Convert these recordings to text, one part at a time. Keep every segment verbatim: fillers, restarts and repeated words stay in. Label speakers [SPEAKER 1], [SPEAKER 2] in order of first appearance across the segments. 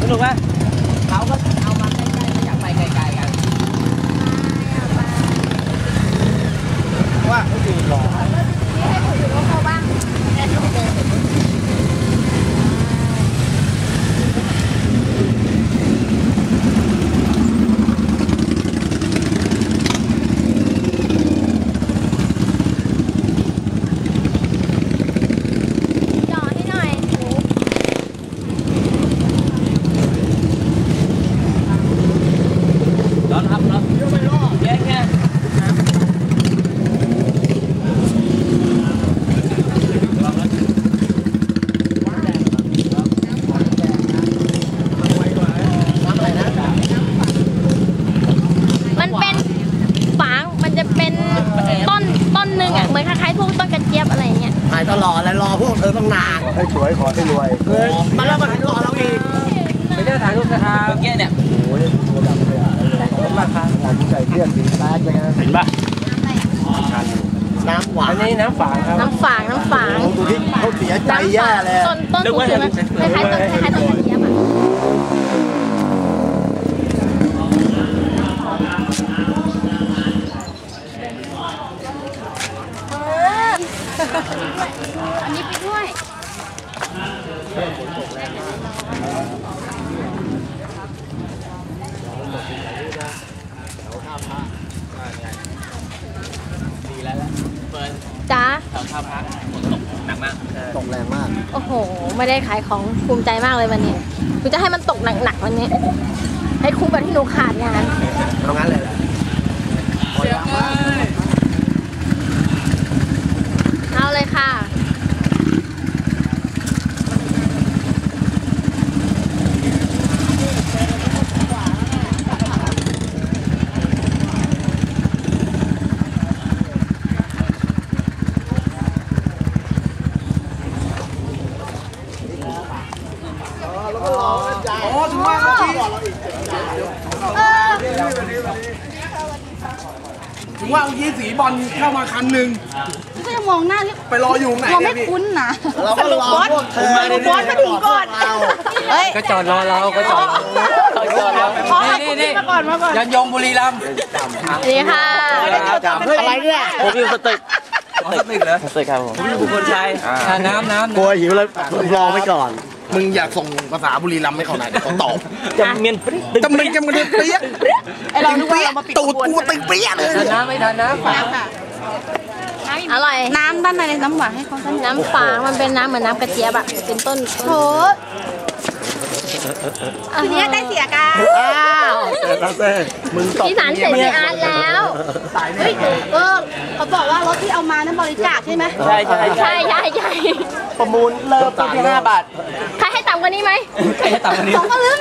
[SPEAKER 1] นุกไหม
[SPEAKER 2] เขาก็เอามาใกล้ๆไม่อยากไปไกลๆกัน
[SPEAKER 1] ว่าเขาอยู่รอ
[SPEAKER 3] ให้คนอื่นเขาบ้าง
[SPEAKER 2] หายตลอดแล้วรอพวกเธอต้องนาน
[SPEAKER 1] ให้สวยขอให้รวย
[SPEAKER 2] มาแล้วมาหล่อเราอีก
[SPEAKER 1] ไม่ได้ถ่ายรูปนะครับเมื่อกี้เนี่ยโอ้ยตัวดำเลยอ่ะขอบคุณมากครับหวานใจเที่ยงสีแป๊ดเลยนะเห็นป่ะ
[SPEAKER 2] น้ำหวาน
[SPEAKER 1] อันนี้น้ำฝางครับ
[SPEAKER 3] น้ำฝางน้ำฝาง
[SPEAKER 2] ดูที่เขาเสียใจแย่เลย
[SPEAKER 3] ต้นต้นสูงใช่ไหมคล้ายๆต้นคล้ายๆต้นกระเจี๊ยบอ่ะอันนี้ไปด้วยจ้า
[SPEAKER 2] แถวท่าพระฝนตกหนักมาก
[SPEAKER 1] ตกแรงมาก
[SPEAKER 3] โอ้โหไม่ได้ขายของภูมิใจมากเลยวันนี้กูจะให้มันตกหนักๆวันนี้ให้คุ้มกับที่หนูขาดงาน
[SPEAKER 2] เอางั้นเลย
[SPEAKER 3] เอาเลยค่ะ
[SPEAKER 2] โอ้ถึงว่าเขาพี่ถึงว่าเมื่อกี้สีบอลเข้ามาคันหนึ่ง
[SPEAKER 3] ก็จะมองหน้าที่
[SPEAKER 2] ไปรออยู่ไหน
[SPEAKER 3] เราไม่คุ้นนะ
[SPEAKER 2] สรุปบอส
[SPEAKER 3] สรุปบอสมาถึงก่อน
[SPEAKER 1] ก็จอดรอเราก็จอดรอจอดรอนี่นี่มาก่อนมาก่อนยันยงบุรีรัมย์
[SPEAKER 3] นี่ค่ะ
[SPEAKER 2] อะไรเนี่ย
[SPEAKER 1] ผมอยู่สตึกสตึกเหรอสตึกครับผมผมอยู่บุคคลชัยน้ำน้ำ
[SPEAKER 2] กลัวหิวแล้วรอไว้ก่อนมึงอยากส่งภาษาบุรีรัมย์ให้เขาไหนเดี๋ยวเขาตอบ
[SPEAKER 1] จำเมียน
[SPEAKER 2] จำเมียนจำเมียนเปี้ย
[SPEAKER 3] ไอเราดูว่าเรามาปิด
[SPEAKER 2] ตูดกูติงเปี้ยเลย
[SPEAKER 1] น้ำไม่ทันน้ำฝาง
[SPEAKER 3] อร่อยน้ำด้านในน้ำหวานให้เขาน้ำฝางมันเป็นน้ำเหมือนน้ำกระเจี๊ยบอะเป็นต้นโถทีนี้ได้เสียกัน
[SPEAKER 2] อ้าวเต้มึงต
[SPEAKER 3] บที่สารเสร็จในอาร์ตแล้วเฮ้ยเออเขาบอกว่ารถที่เอามานั้นบริจาคใช่ไหม
[SPEAKER 1] ใช่ใช่
[SPEAKER 3] ใช่ใช่ใช่
[SPEAKER 2] ประมูลเริ่มต้นที่ห้าบาท
[SPEAKER 3] ใครให้ต่ำกว่านี้ไหม
[SPEAKER 1] ใครให้ต่ำกว่านี้
[SPEAKER 3] สองก็ลืม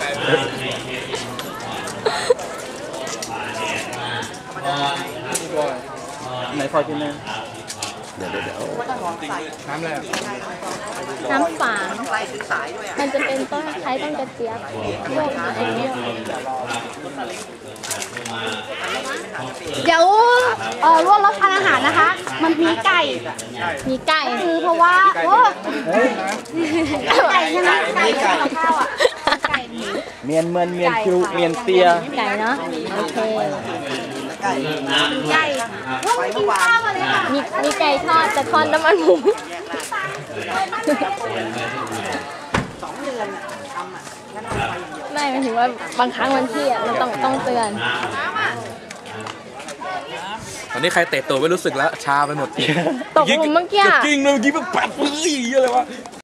[SPEAKER 1] ไหนพอกินเลย
[SPEAKER 2] เดี๋ยวเดี๋ยวน้ำอะไร
[SPEAKER 3] น้ำฝางมันจะเป็นต้นคล้ายต้นกระเจี๊ยบพวกเดี๋ยวเออร่วมรับทานอาหารนะคะมันมีไก่มีไก่คือเพราะว่าโอ้ไก่ใช่ไหมไก่กับข้าวอ่ะไก่
[SPEAKER 1] เมียนเมือนเมียนคิวเมียนเตีย
[SPEAKER 3] ไก่เนาะโอเคไก่ไปกินข้าวเลยค่ะมีมีไก่ทอดแต่ทอดน้ำมันหมูไม่หมายถึงว่าบางครั้งวันที่อ่ะมันต้องต้องเตือน
[SPEAKER 1] ตอนนี้ใครเตะตัวไม่รู้สึกแล้วชาไปหมด
[SPEAKER 3] ตกหลุมเมื่อกี้
[SPEAKER 1] จริงเลยเมื่อกี้แบบปัดเฮ้ยอะไรวะ